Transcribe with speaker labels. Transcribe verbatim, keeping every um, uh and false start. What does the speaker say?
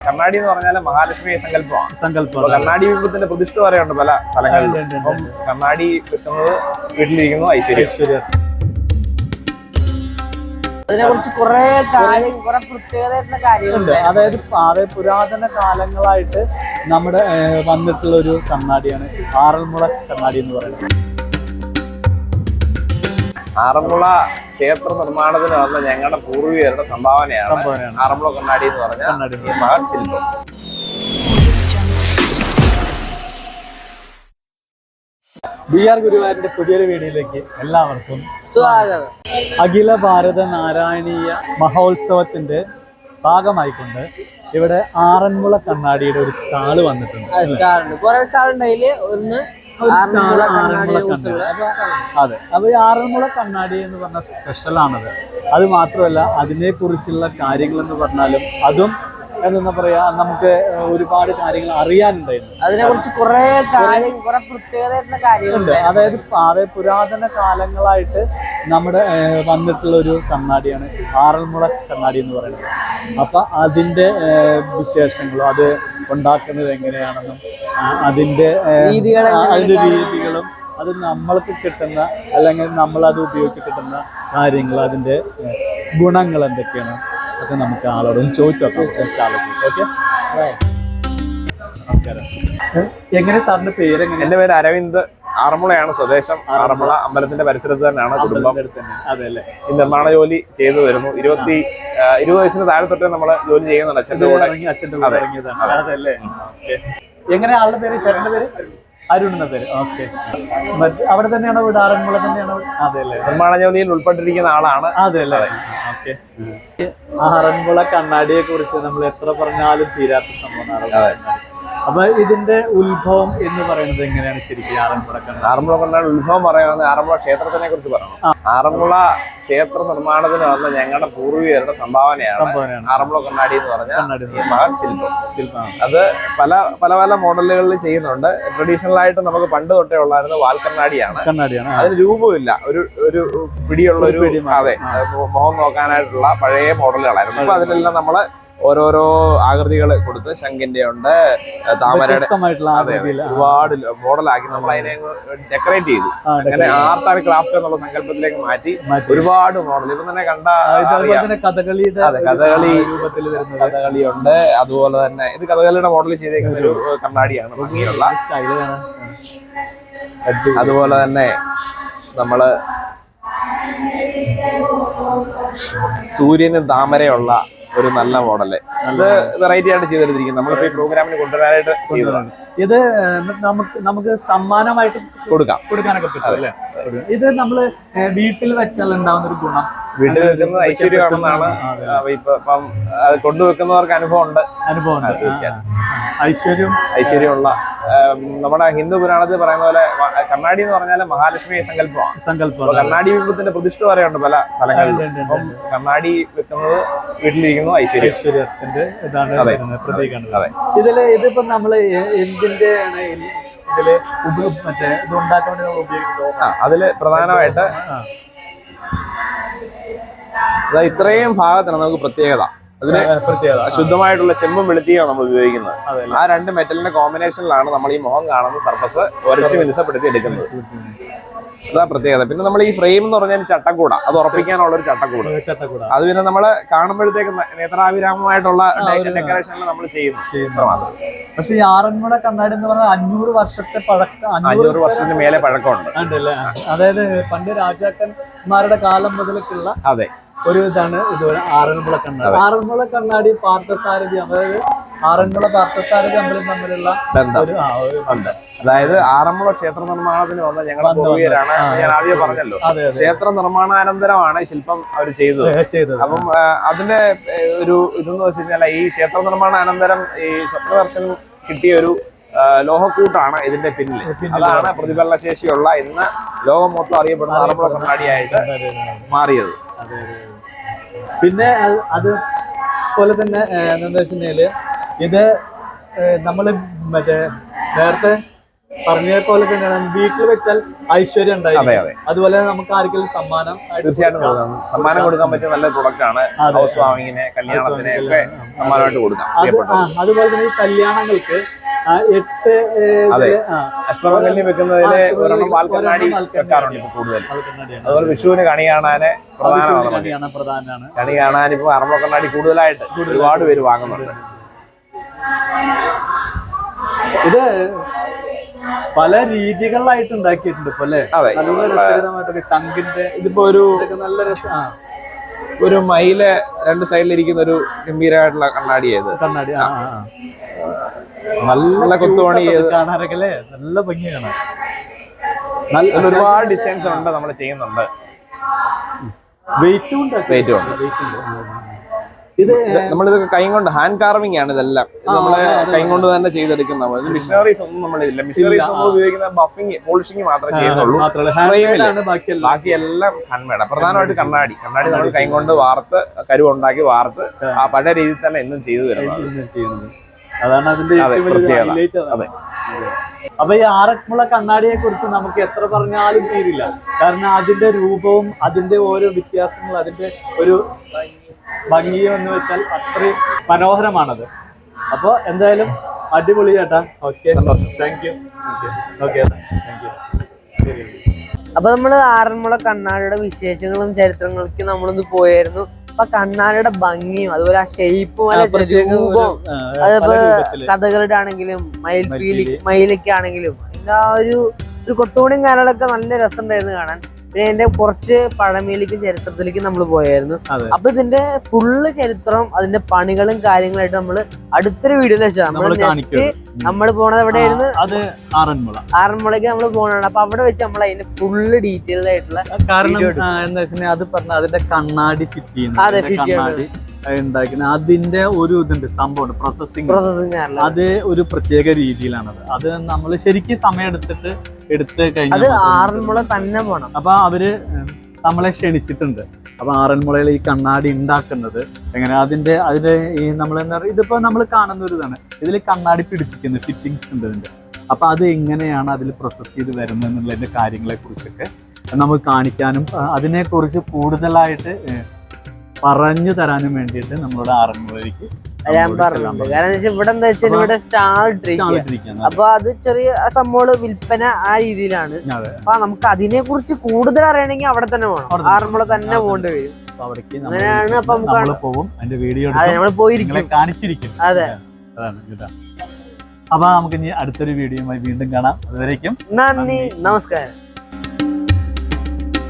Speaker 1: കണ്ണാടി എന്ന് പറഞ്ഞാൽ മഹാലക്ഷ്മി സങ്കല്പമാണ്.
Speaker 2: സങ്കല്പം
Speaker 1: കണ്ണാടി ബിംബത്തിന്റെ പ്രതിഷ്ഠ പറയുന്നുണ്ട് പല സ്ഥലങ്ങളിലും. അപ്പം കണ്ണാടി വെക്കുന്നത് വീട്ടിലിരിക്കുന്നു ഐശ്വര്യം. ഐശ്വര്യം
Speaker 3: അതിനെക്കുറിച്ച് കുറെ കാര്യം കുറെ പ്രത്യേകതയായിട്ടുള്ള കാര്യങ്ങളുണ്ട്.
Speaker 2: അതായത് അതായത് പുരാതന കാലങ്ങളായിട്ട് നമ്മുടെ വന്നിട്ടുള്ള ഒരു കണ്ണാടിയാണ് ആറന്മുള കണ്ണാടി എന്ന് പറയുന്നത്.
Speaker 1: ആറന്മുള ക്ഷേത്ര നിർമ്മാണത്തിന് വന്ന ഞങ്ങളുടെ പൂർവികരുടെ സംഭാവനയാണ് ആറന്മുള കണ്ണാടി എന്ന് പറഞ്ഞ ഈ മഹത് ശില്പം.
Speaker 2: ബി ആർ ഗുരുവായൂരിന്റെ പുതിയൊരു വീഡിയോയിലേക്ക് എല്ലാവർക്കും
Speaker 3: സ്വാഗതം.
Speaker 2: അഖില ഭാരത നാരായണീയ മഹോത്സവത്തിന്റെ ഭാഗമായിക്കൊണ്ട് ഇവിടെ ആറന്മുള കണ്ണാടിയുടെ ഒരു സ്റ്റാള് വന്നിട്ടുണ്ട്.
Speaker 3: കുറെ സ്റ്റാളുണ്ട്. ഒന്ന്
Speaker 2: അതെ, അപ്പൊ ഈ ആറന്മുള കണ്ണാടി എന്ന് പറഞ്ഞ സ്പെഷ്യൽ ആണത്. അത് മാത്രമല്ല, അതിനെ കുറിച്ചുള്ള കാര്യങ്ങൾ എന്ന് പറഞ്ഞാലും അതും എന്താ പറയാ, നമുക്ക് ഒരുപാട് കാര്യങ്ങൾ അറിയാനുണ്ടായിരുന്നു.
Speaker 3: അതിനെ കുറിച്ച് കുറെ കാര്യം കുറെ പ്രത്യേകതയായിട്ടുള്ള കാര്യങ്ങളുണ്ട്.
Speaker 2: അതായത് അതായത് പുരാതന കാലങ്ങളായിട്ട് നമ്മുടെ വന്നിട്ടുള്ള ഒരു കണ്ണാടിയാണ് ആറന്മുള കണ്ണാടി എന്ന് പറയുന്നത്. അപ്പൊ അതിന്റെ വിശേഷങ്ങളും അത് ഉണ്ടാക്കുന്നത് എങ്ങനെയാണെന്നും അതിന്റെ അതിന്റെ രീതികളും അത് നമ്മൾക്ക് കിട്ടുന്ന അല്ലെങ്കിൽ നമ്മൾ അത് ഉപയോഗിച്ച് കിട്ടുന്ന കാര്യങ്ങൾ അതിന്റെ ഗുണങ്ങൾ എന്തൊക്കെയാണ് ഒക്കെ നമുക്ക് ആളോടും ചോദിച്ചു നോക്കാം. ഓക്കെ, നമസ്കാരം. എങ്ങനെ സാറിന്റെ പേര്?
Speaker 1: എന്റെ പേര് അരവിന്ദ്. ആറന്മുളയാണ് സ്വദേശം. ആറന്മുള അമ്പലത്തിന്റെ പരിസരത്ത് തന്നെയാണ് കുടുംബം.
Speaker 2: അതെ അല്ലേ.
Speaker 1: ഈ നിർമ്മാണ ജോലി ചെയ്തു വരുന്നു. ഇരുപത്തി ഇരുപത് വയസ്സിന് താഴെ തൊട്ടേ നമ്മള് ജോലി ചെയ്യുന്നുണ്ട്. അച്ഛന്റെ കൂടെ.
Speaker 2: അച്ഛന്റെ കൂടെ ഇറങ്ങിയതാണ്. അതല്ലേ. എങ്ങനെ ആളുടെ പേര്? ചേട്ടന്റെ പേര് അരുൺ എന്ന പേര്. ഓക്കെ. അവിടെ തന്നെയാണോ വീട്? ആറന്മുള തന്നെയാണോ? അതെ അല്ലേ.
Speaker 1: നിർമ്മാണ ജോലിയിൽ ഉൾപ്പെട്ടിരിക്കുന്ന ആളാണ്.
Speaker 2: അതെ അല്ലേ. ഓക്കെ. ആറന്മുള കണ്ണാടിയെ കുറിച്ച് നമ്മൾ എത്ര പറഞ്ഞാലും തീരാത്ത സംഭവമാണ്. അപ്പൊ ഇതിന്റെ ഉത്ഭവം എന്ന് പറയുന്നത് എങ്ങനെയാണ് ശരിക്കും? ആറന്മുള കണ്ണാടി
Speaker 1: ആറന്മുള കണ്ണാടി ഉത്ഭവം പറയുന്നത് ആറന്മുള ക്ഷേത്രത്തിനെ കുറിച്ച് പറയണം. ആറന്മുള ക്ഷേത്ര നിർമ്മാണത്തിന് വന്ന ഞങ്ങളുടെ പൂർവികരുടെ സംഭാവനയാണ് ആറന്മുള കണ്ണാടി എന്ന് പറഞ്ഞ ഈ മഹത് ശില്പം. ശില്പം അത് പല പല പല മോഡലുകളിൽ ചെയ്യുന്നുണ്ട്. ട്രഡീഷണൽ ആയിട്ട് നമുക്ക് പണ്ട് തൊട്ടേ ഉള്ളായിരുന്നു വാൽ കണ്ണാടിയാണ്.
Speaker 2: കണ്ണാടിയാണ്.
Speaker 1: അതിന് രൂപമില്ല, ഒരു ഒരു പിടിയുള്ള ഒരു, അതെ, മുഖം നോക്കാനായിട്ടുള്ള പഴയ മോഡലുകളായിരുന്നു. ഇപ്പൊ അതിലെല്ലാം നമ്മള് ഓരോരോ ആകൃതികൾ കൊടുത്ത് ശംഖിന്റെ ഉണ്ട്, താമരയുടെ, അതെ, ഒരുപാട് മോഡലാക്കി നമ്മൾ അതിനെ ഡെക്കറേറ്റ് ചെയ്തു. അങ്ങനെ ആർട്ട് ആൻഡ് ക്രാഫ്റ്റ് എന്നുള്ള സങ്കല്പത്തിലേക്ക് മാറ്റി ഒരുപാട് മോഡൽ ഇപ്പം തന്നെ കണ്ട
Speaker 2: കഥകളിയുടെ,
Speaker 1: അതെ, കഥകളി കഥകളി ഉണ്ട്. അതുപോലെ തന്നെ ഇത് കഥകളിയുടെ മോഡൽ ചെയ്തേക്കുന്ന ഒരു കണ്ണാടിയാണ്, ഭംഗിയുള്ള. അതുപോലെ തന്നെ നമ്മള് സൂര്യനും താമരയുള്ള ഒരു നല്ല മോഡല്, അത് വെറൈറ്റി ആയിട്ട് ചെയ്തെടുത്തിരിക്കും. നമ്മളിപ്പോ ഈ പ്രോഗ്രാമിന് കൊണ്ടുവരാനായിട്ട് ചെയ്തതാണ്.
Speaker 2: ഇത് നമുക്ക് നമുക്ക് സമ്മാനമായിട്ട് കൊടുക്കാം കൊടുക്കാനൊക്കെ പറ്റും അല്ലേ? ഇത് നമ്മള് വീട്ടിൽ വെച്ചാൽ ഉണ്ടാവുന്ന ഒരു ഗുണം,
Speaker 1: വീട്ടിൽ വെക്കുന്നത് ഐശ്വര്യമാണെന്നാണ് ഇപ്പൊ ഇപ്പം അത് കൊണ്ടുവെക്കുന്നവർക്ക് അനുഭവം ഉണ്ട്.
Speaker 2: അനുഭവം ഉണ്ട് തീർച്ചയായും. ഐശ്വര്യം
Speaker 1: ഐശ്വര്യമുള്ള നമ്മുടെ ഹിന്ദു പുരാണത്തിൽ പറയുന്ന പോലെ കണ്ണാടി എന്ന് പറഞ്ഞാൽ മഹാലക്ഷ്മി സങ്കല്പമാണ്. സങ്കല്പം കണ്ണാടി ബിംബത്തിന്റെ പ്രതിഷ്ഠ പറയുന്നുണ്ട് പല സ്ഥലങ്ങളിലും. അപ്പം കണ്ണാടി വെക്കുന്നത് വീട്ടിലിരിക്കുന്നു ഐശ്വര്യം.
Speaker 2: ഐശ്വര്യത്തിന്റെ ഇതാണ് പ്രതീകമാണ്. അതെ. ഇതില് ഇതിപ്പോ നമ്മള് എന്തിന്റെ ആണ് ഇതില് മറ്റേ ഇത് ഉണ്ടാക്കാൻ വേണ്ടി നമ്മൾ ഉപയോഗിക്കുന്നത്?
Speaker 1: അതില് പ്രധാനമായിട്ട് ഇത്രയും ഭാഗത്താണ് നമുക്ക് പ്രത്യേകത. അതിന് ശുദ്ധമായിട്ടുള്ള ചെമ്പും വെളുത്തിയാണ് നമ്മൾ ഉപയോഗിക്കുന്നത്. ആ രണ്ട് മെറ്റലിന്റെ കോമ്പിനേഷനിലാണ് നമ്മൾ ഈ മുഖം കാണുന്ന സർഫസ് ഉരച്ച് മിനുസപ്പെടുത്തി എടുക്കുന്നത്. അതാ പ്രത്യേകത. പിന്നെ നമ്മൾ ഈ ഫ്രെയിം എന്ന് പറഞ്ഞാൽ ചട്ടക്കൂട, അത് ഉറപ്പിക്കാനുള്ള ഒരു ചട്ടക്കൂട്. അത് പിന്നെ നമ്മള് കാണുമ്പോഴത്തേക്ക് നേത്രാഭിരാമമായിട്ടുള്ള ഡെക്കറേഷനിൽ നമ്മൾ ചെയ്യുന്നു.
Speaker 2: പക്ഷെ ഈ ആറന്മുള കണ്ണാടി എന്ന് പറഞ്ഞാൽ അഞ്ഞൂറ് വർഷത്തെ പഴക്കം,
Speaker 1: അഞ്ഞൂറ് വർഷത്തിന് മേലെ പഴക്കമുണ്ട്.
Speaker 2: അതായത് പണ്ട് രാജാക്കന്മാരുടെ കാലം മുതലൊക്കെയുള്ള
Speaker 1: അതെ
Speaker 2: ഒരു ഇതാണ് ഇതുപോലെ ആറന്മുള കണ്ണാടി. ആറന്മുള കണ്ണാടി പാർത്ഥസാരഥി, അതായത് ആറന്മുള പാർത്ഥസാരഥി അമ്പലം തമ്മിലുള്ള
Speaker 1: ബന്ധം ഉണ്ട്. അതായത് ആറന്മുള ക്ഷേത്ര നിർമ്മാണത്തിന് വന്ന ഞങ്ങളുടെ പൂർവികരാണ്. ഞാൻ ആദ്യം പറഞ്ഞല്ലോ, ക്ഷേത്ര നിർമ്മാണാനന്തരമാണ് ശില്പം അവർ ചെയ്തത്. അപ്പം അതിന്റെ ഒരു ഇതെന്ന് വെച്ച് കഴിഞ്ഞാൽ ഈ ക്ഷേത്ര നിർമ്മാണാനന്തരം ഈ സ്വപ്നദർശനം കിട്ടിയ ഒരു ലോഹക്കൂട്ടാണ് ഇതിന്റെ പിന്നിൽ. അതാണ് പ്രതിഫലന ശേഷിയുള്ള ഇന്ന് ലോകം മൊത്തം അറിയപ്പെടുന്ന ആറന്മുള കണ്ണാടിയായിട്ട് മാറിയത്.
Speaker 2: പിന്നെ അത് പോലെ തന്നെ എന്താ വെച്ചിട്ടുണ്ടെങ്കില് ഇത് നമ്മള് മറ്റേ നേരത്തെ പറഞ്ഞ പോലെ തന്നെയാണ് വീട്ടിൽ വെച്ചാൽ ഐശ്വര്യം
Speaker 1: അതെ
Speaker 2: ഉണ്ടായിരിക്കും.
Speaker 1: അതെ
Speaker 2: അതുപോലെ നമുക്ക് ആർക്കെങ്കിലും സമ്മാനം ആയിട്ട്
Speaker 1: തീർച്ചയായിട്ടും
Speaker 2: കൊടുക്കാം.
Speaker 1: കൊടുക്കാം. സമ്മാനം കൊടുക്കാൻ പറ്റിയ നല്ല പ്രൊഡക്റ്റ് ആണ്.
Speaker 2: അതെ.
Speaker 1: ഹൗസ് വാമിങ്ങിന്, കല്യാണത്തിന് ഒക്കെ സമ്മാനമായിട്ട് കൊടുക്കാം.
Speaker 2: അത്
Speaker 1: പ്രിയപ്പെട്ടവർ.
Speaker 2: ആ, അതുപോലെ തന്നെ ഈ കല്യാണങ്ങൾക്ക് ആ, എട്ട് ഏ,
Speaker 1: അതെ.
Speaker 2: ഇതില്, ആ,
Speaker 1: അഷ്ടമംഗല്യം വെക്കുന്നതില്
Speaker 2: ആ,
Speaker 1: ഒരെണ്ണം വാൽക്കണ്ണാടി
Speaker 2: ഒരെണ്ണം വാൽക്കണ്ണാടി
Speaker 1: വെക്കാറുണ്ട് ഇപ്പൊ കൂടുതൽ.
Speaker 2: വാൽക്കണ്ണാടിയാണ്.
Speaker 1: അതുപോലെ വിഷുവിന് കണി കാണാന് പ്രധാനമാണ് നമുക്ക്.
Speaker 2: കണിയാണ് പ്രധാനമാണ്.
Speaker 1: കണി കാണാൻ ഇപ്പൊ ആറന്മുള കണ്ണാടി കൂടുതലായിട്ട് ഒരുപാട് പേര് വാങ്ങുന്നുണ്ട്.
Speaker 2: ഇത് പല രീതികളിലായിട്ട് ഉണ്ടാക്കിയിട്ടുണ്ട് ഇപ്പൊ അല്ലെ.
Speaker 1: അതെ.
Speaker 2: നല്ല രസകരമായിട്ടൊക്കെ ശംഖിന്റെ
Speaker 1: ഇതിപ്പോ ഒരു
Speaker 2: ഇതൊക്കെ നല്ല രസം. ആ,
Speaker 1: ഒരു മയില് രണ്ട് സൈഡിലിരിക്കുന്ന ഒരു ഗംഭീരമായിട്ടുള്ള കണ്ണാടിയത്.
Speaker 2: കണ്ണാടി. ആ, ആ, ആ.
Speaker 1: നല്ല കൊത്തുപണി ചെയ്ത്
Speaker 2: കാണാനൊക്കെ അല്ലേ, നല്ല ഭംഗി കാണാൻ.
Speaker 1: അതിൽ ഒരുപാട് ഡിസൈൻസ് ഉണ്ട്, നമ്മൾ ചെയ്യുന്നുണ്ട്.
Speaker 2: വെയിറ്റും ഉണ്ട്.
Speaker 1: വെയിറ്റും ഉണ്ട്.
Speaker 2: വെയിറ്റ് ഉണ്ട്. ഇത്
Speaker 1: നമ്മളിതൊക്കെ കൈ കൊണ്ട് ഹാൻഡ് കാർവിംഗ് ആണ് ഇതെല്ലാം. ഇത് നമ്മള് കൈ കൊണ്ട് തന്നെ ചെയ്തെടുക്കുന്ന ഇത് മിഷനറീസ് ഒന്നും നമ്മളില്ല. മിഷനറീസ് നമ്മൾ ഉപയോഗിക്കുന്ന ബഫിങ് പോളിഷിങ് മാത്രമേ ചെയ്യുന്നുള്ളൂ. ഫ്രെയിമില് ബാക്കിയെല്ലാം ഹാൻഡ്മെയ്ഡ്. പ്രധാനമായിട്ട് കണ്ണാടി കണ്ണാടി നമ്മൾ കൈ കൊണ്ട് വാർത്ത് കരുവുണ്ടാക്കി വാർത്ത് ആ പഴയ രീതിയിൽ തന്നെ എന്നും ചെയ്തു വരുന്നത്.
Speaker 2: അതാണ് അതിന്റെ ഏറ്റവും വലിയ highlight അതാണ്. അപ്പൊ ഈ ആറന്മുള കണ്ണാടിയെ കുറിച്ച് നമുക്ക് എത്ര പറഞ്ഞാലും തീരില്ല. കാരണം അതിന്റെ രൂപവും അതിന്റെ ഓരോ വ്യത്യാസങ്ങളും അതിന്റെ ഒരു ഭംഗിയും എന്ന് വെച്ചാൽ അത്രയും മനോഹരമാണത്. അപ്പൊ എന്തായാലും അടിപൊളി ചേട്ടാ. Okay, thank you. Okay, thank you. ശരി.
Speaker 3: അപ്പൊ നമ്മള് ആറന്മുള കണ്ണാടിയുടെ വിശേഷങ്ങളും ചരിത്രങ്ങളിലേക്ക് നമ്മളൊന്ന് പോയായിരുന്നു. അപ്പൊ കണ്ണാടിയുടെ ഭംഗിയും അതുപോലെ ആ ഷേപ്പും അല്ല രൂപവും അതിപ്പോ കഥകളുടെ ആണെങ്കിലും മയിൽപീലി മയിലൊക്കെ ആണെങ്കിലും അതിന്റെ ആ ഒരു ഒരു കൊട്ടുപണിയും കാര്യങ്ങളൊക്കെ നല്ല രസമുണ്ടായിരുന്നു കാണാൻ. പിന്നെ അതിന്റെ കുറച്ച് പഴമയിലേക്കും ചരിത്രത്തിലേക്കും നമ്മൾ പോയായിരുന്നു. അപ്പൊ ഇതിന്റെ ഫുള്ള് ചരിത്രം അതിന്റെ പണികളും കാര്യങ്ങളായിട്ട് നമ്മള് അടുത്തൊരു വീഡിയോയിൽ വെച്ചാൽ നമ്മള് നെക്സ്റ്റ് നമ്മൾ പോണത് എവിടെയായിരുന്നു?
Speaker 2: അത് ആറന്മുള.
Speaker 3: ആറന്മുളയ്ക്ക് നമ്മൾ പോകണതാണ്. അപ്പൊ അവിടെ വെച്ച് നമ്മൾ അതിന്റെ ഫുള്ള് ഡീറ്റെയിൽഡ് ആയിട്ടുള്ള
Speaker 2: കാരണം എന്താ വെച്ചിട്ടുണ്ടെങ്കിൽ അത് പറഞ്ഞ അതിന്റെ കണ്ണാടി ഫിറ്റ് ചെയ്യുന്നത്,
Speaker 3: അതെ, ഫിറ്റ്
Speaker 2: കണ്ണാടി ഉണ്ടാക്കുന്ന അതിന്റെ ഒരു ഇതുണ്ട്, സംഭവം പ്രോസസ്സിംഗ്.
Speaker 3: പ്രോസസ്സിംഗ്
Speaker 2: അത് ഒരു പ്രത്യേക രീതിയിലാണത്. അത് നമ്മൾ ശരിക്കും സമയം എടുത്തിട്ട് എടുത്ത്
Speaker 3: അത്
Speaker 2: കഴിഞ്ഞാൽ
Speaker 3: ആറന്മുള തന്നെ പോണം.
Speaker 2: അപ്പൊ അവര് നമ്മളെ ക്ഷണിച്ചിട്ടുണ്ട്. അപ്പൊ ആറന്മുളയിൽ ഈ കണ്ണാടി ഉണ്ടാക്കുന്നത് എങ്ങനെ, അതിന്റെ അതിന്റെ ഈ നമ്മൾ എന്താ പറയുക, ഇതിപ്പോ നമ്മൾ കാണുന്ന ഒരു ഇതാണ്. ഇതിൽ കണ്ണാടി പിടിപ്പിക്കുന്നത് ഫിറ്റിങ്സ് ഉണ്ട് ഇതിന്റെ. അപ്പൊ അത് എങ്ങനെയാണ് അതിൽ പ്രോസസ് ചെയ്ത് വരുന്നത് എന്നുള്ളതിന്റെ കാര്യങ്ങളെ കുറിച്ചൊക്കെ നമുക്ക് കാണിക്കാനും അതിനെക്കുറിച്ച് കൂടുതലായിട്ട് പറഞ്ഞു തരാനും വേണ്ടിയിട്ട് നമ്മളോട് ആറന്മുളയിലേക്ക്
Speaker 3: ഞാൻ പറഞ്ഞത്. കാരണം ഇവിടെ എന്താ വെച്ചാൽ ഇവിടെ സ്റ്റാൾ ഇട്ടിരിക്കുക. അപ്പൊ അത് ചെറിയ സംഭവം വിൽപ്പന ആ രീതിയിലാണ്. അപ്പൊ നമുക്ക് അതിനെ കുറിച്ച് കൂടുതൽ അറിയണമെങ്കിൽ അവിടെ തന്നെ പോകണം, ആറന്മുള തന്നെ പോകേണ്ടി വരും. അങ്ങനെയാണ് അപ്പൊ നമുക്ക്
Speaker 2: പോകും അതിന്റെ വീഡിയോ
Speaker 3: നമ്മൾ പോയിരിക്കും,
Speaker 2: കാണിച്ചിരിക്കും.
Speaker 3: അതെ,
Speaker 2: അതാണ്. അപ്പൊ നമുക്ക് ഇനി അടുത്തൊരു വീഡിയോയുമായി വീണ്ടും കാണാം. അതുവരേക്കും
Speaker 3: നന്ദി, നമസ്കാരം.